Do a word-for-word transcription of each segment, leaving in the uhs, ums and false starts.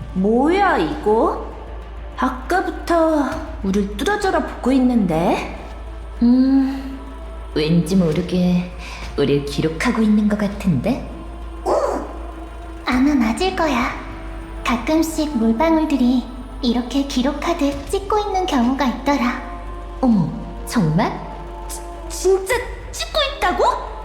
뭐야 이거? 아까부터 우릴 뚫어져라 보고 있는데. 음, 왠지 모르게 우릴 기록하고 있는 것 같은데? 아마 맞을 거야. 가끔씩 물방울들이 이렇게 기록하듯 찍고 있는 경우가 있더라. 어머, 정말? 진짜 찍고 있다고?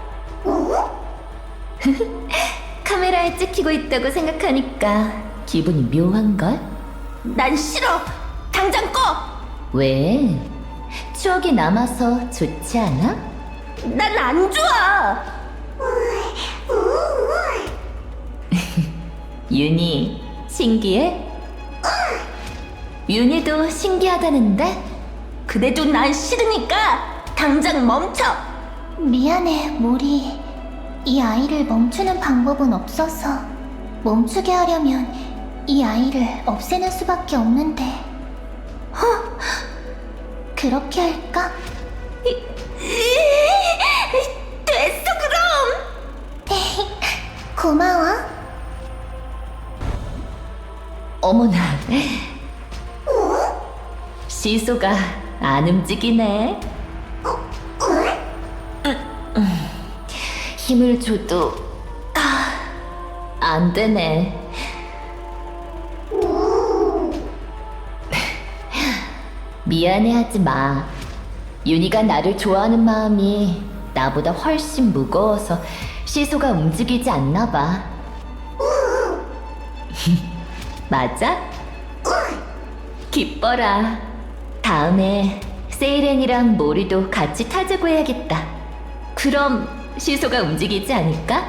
카메라에 찍히고 있다고 생각하니까 기분이 묘한걸? 난 싫어. 당장 꺼. 왜? 추억이 남아서 좋지 않아? 난 안 좋아. 윤희, 신기해? 윤희도 신기하다는데? 그래도 난 싫으니까 당장 멈춰. 미안해, 모리. 이 아이를 멈추는 방법은 없어서 멈추게 하려면 이 아이를 없애는 수밖에 없는데. 허, 그렇게 할까? 됐어 그럼. 고마워. 어머나. 시소가 안 움직이네. 음, 힘을 줘도 아, 안 되네. 미안해하지 마. 윤희가 나를 좋아하는 마음이 나보다 훨씬 무거워서 시소가 움직이지 않나 봐. 맞아? 기뻐라. 다음에 세이렌이랑 모리도 같이 타자고 해야겠다. 그럼 시소가 움직이지 않을까?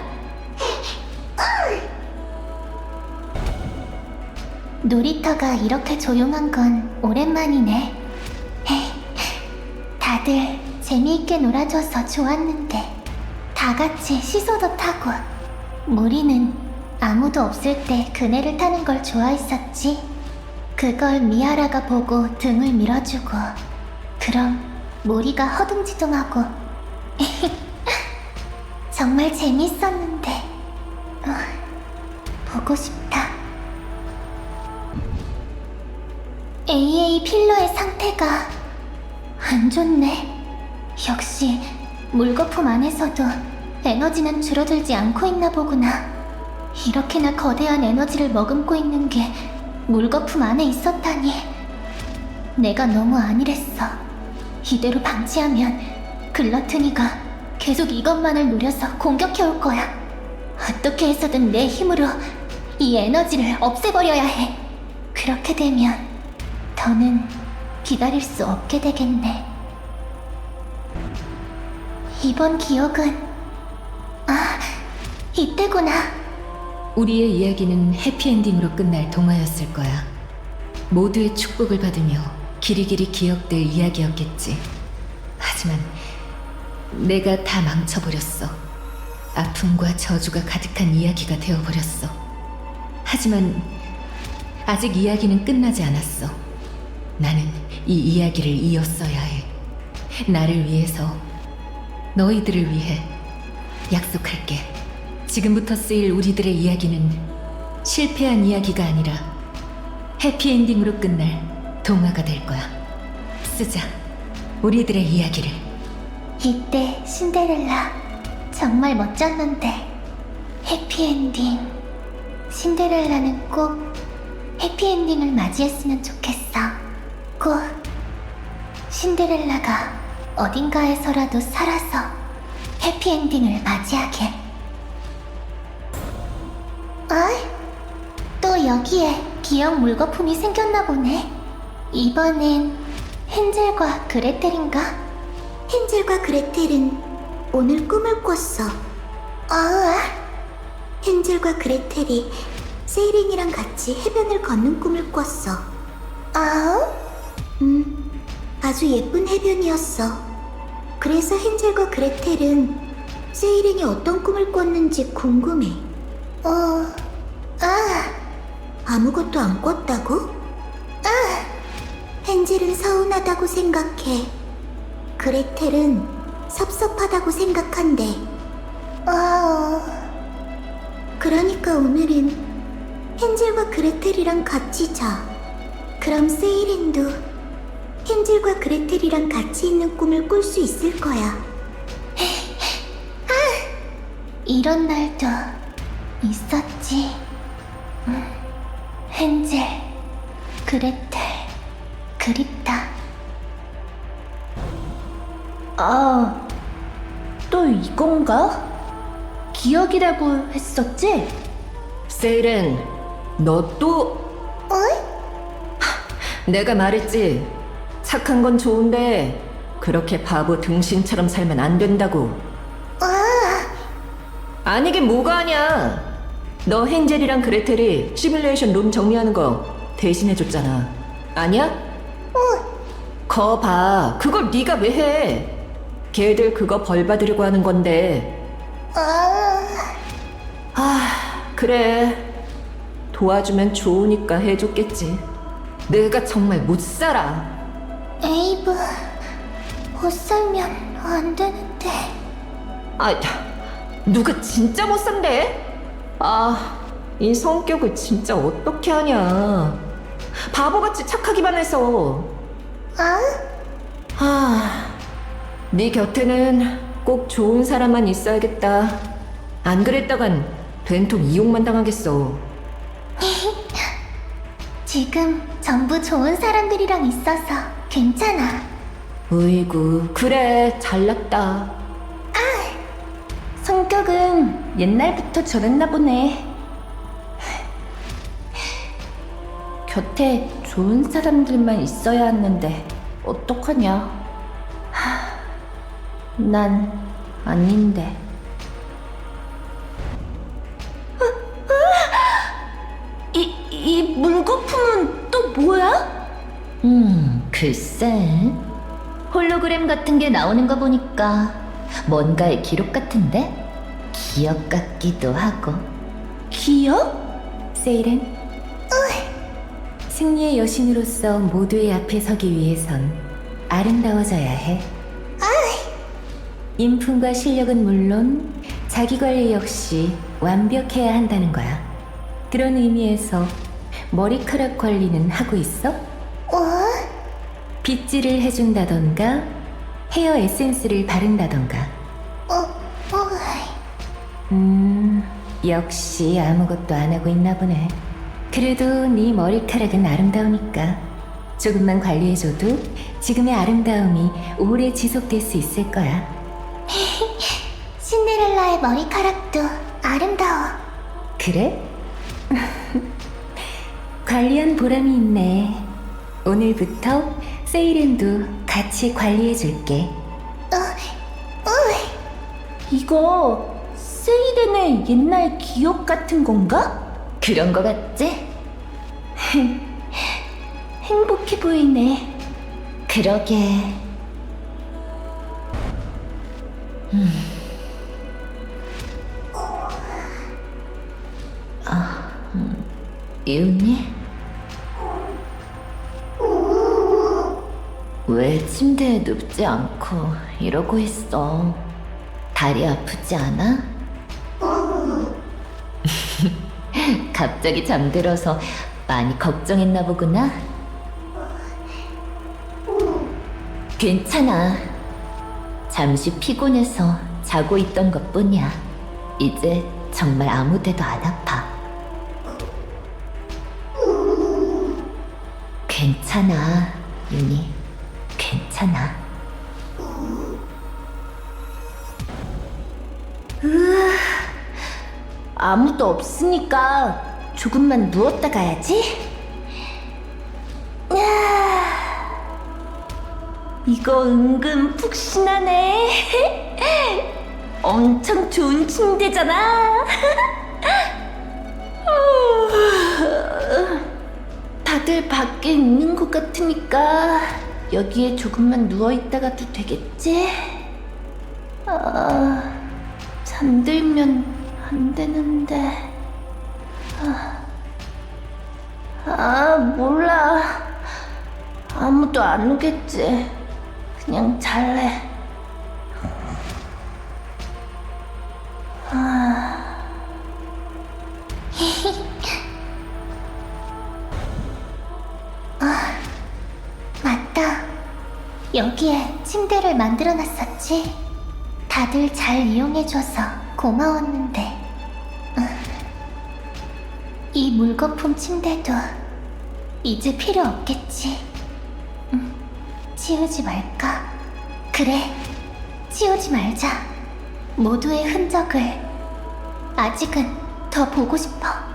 놀이터가 이렇게 조용한 건 오랜만이네. 헤이, 다들 재미있게 놀아줘서 좋았는데 다 같이 시소도 타고. 모리는 아무도 없을 때 그네를 타는 걸 좋아했었지. 그걸 미아라가 보고 등을 밀어주고 그럼 모리가 허둥지둥하고. 정말 재밌었는데 어, 보고 싶다. 에이에이 필러의 상태가 안 좋네. 역시 물거품 안에서도 에너지는 줄어들지 않고 있나 보구나. 이렇게나 거대한 에너지를 머금고 있는 게 물거품 안에 있었다니. 내가 너무 안일했어. 이대로 방치하면 글러트니가 계속 이것만을 노려서 공격해올 거야. 어떻게 해서든 내 힘으로 이 에너지를 없애버려야 해. 그렇게 되면 더는 기다릴 수 없게 되겠네. 이번 기억은 아, 이때구나. 우리의 이야기는 해피엔딩으로 끝날 동화였을 거야. 모두의 축복을 받으며 길이길이 기억될 이야기였겠지. 하지만 내가 다 망쳐버렸어. 아픔과 저주가 가득한 이야기가 되어버렸어. 하지만 아직 이야기는 끝나지 않았어. 나는 이 이야기를 이었어야 해. 나를 위해서, 너희들을 위해 약속할게. 지금부터 쓰일 우리들의 이야기는 실패한 이야기가 아니라 해피엔딩으로 끝날 동화가 될 거야. 쓰자, 우리들의 이야기를. 이때 신데렐라 정말 멋졌는데. 해피엔딩. 신데렐라는 꼭 해피엔딩을 맞이했으면 좋겠어. 꼭 신데렐라가 어딘가에서라도 살아서 해피엔딩을 맞이하게. 어이? 또 여기에 기억 물거품이 생겼나 보네. 이번엔 헨젤과 그레텔인가? 헨젤과 그레텔은 오늘 꿈을 꿨어. 어우아. 헨젤과 그레텔이 세이렌이랑 같이 해변을 걷는 꿈을 꿨어. 어우? 음, 아주 예쁜 해변이었어. 그래서 헨젤과 그레텔은 세이렌이 어떤 꿈을 꿨는지 궁금해. 어... 아... 아무것도 안 꿨다고? 헨젤은 서운하다고 생각해. 그레텔은 섭섭하다고 생각한대. 어... 그러니까 오늘은 헨젤과 그레텔이랑 같이 자. 그럼 세이렌도 헨젤과 그레텔이랑 같이 있는 꿈을 꿀 수 있을 거야. 이런 날도 있었지. 음, 헨젤, 그레텔, 그립다. 아, 또 이건가? 기억이라고 했었지? 세이렌, 너 또... 내가 말했지. 착한 건 좋은데 그렇게 바보 등신처럼 살면 안 된다고. 아니긴 뭐가 아냐. 너 헨젤이랑 그레텔이 시뮬레이션 룸 정리하는 거 대신해줬잖아. 아니야? 거 봐. 그걸 네가 왜 해? 걔들 그거 벌 받으려고 하는 건데. 아, 그래. 도와주면 좋으니까 해줬겠지. 내가 정말 못 살아. 에이브, 못 살면 안 되는데. 아, 누가 진짜 못 산대? 아, 이 성격을 진짜 어떻게 하냐. 바보같이 착하기만 해서. 아? 아, 네 곁에는 꼭 좋은 사람만 있어야겠다. 안 그랬다간 된통 이용만 당하겠어. 지금 전부 좋은 사람들이랑 있어서 괜찮아. 으이구, 그래, 잘났다. 성격은 옛날부터 저랬나 보네. 곁에 좋은 사람들만 있어야 하는데 어떡하냐. 하, 난 아닌데. 이, 이 물거품은 또 뭐야? 음, 글쎄. 홀로그램 같은 게 나오는 거 보니까 뭔가의 기록 같은데? 기억 같기도 하고. 기억? 세이렌? 승리의 여신으로서 모두의 앞에 서기 위해선 아름다워져야 해. 인품과 실력은 물론 자기 관리 역시 완벽해야 한다는 거야. 그런 의미에서 머리카락 관리는 하고 있어? 빗질을 해준다던가 헤어 에센스를 바른다던가. 어, 어, 음, 역시 아무것도 안 하고 있나 보네. 그래도 네 머리카락은 아름다우니까 조금만 관리해줘도 지금의 아름다움이 오래 지속될 수 있을 거야. 신데렐라의 머리카락도 아름다워. 그래? 관리한 보람이 있네. 오늘부터 세이렌도 같이 관리해줄게. 이거 세이렌의 옛날 기억 같은 건가? 그런 거 같지? 행복해 보이네. 그러게. 아, 음, 이웃니? 왜 침대에 눕지 않고 이러고 있어? 다리 아프지 않아? 갑자기 잠들어서 많이 걱정했나 보구나. 괜찮아. 잠시 피곤해서 자고 있던 것뿐이야. 이제 정말 아무 데도 안 아파. 괜찮아, 윤희. 괜찮아. 아무도 없으니까 조금만 누웠다 가야지. 야, 이거 은근 푹신하네. 엄청 좋은 침대잖아. 다들 밖에 있는 것 같으니까 여기에 조금만 누워있다가도 되겠지? 아, 잠들면 안 되는데. 아, 아, 몰라. 아무도 안 오겠지. 그냥 잘래. 아, 여기에 침대를 만들어놨었지. 다들 잘 이용해줘서 고마웠는데. 음. 이 물거품 침대도 이제 필요 없겠지. 음, 치우지 말까? 그래, 치우지 말자. 모두의 흔적을 아직은 더 보고 싶어.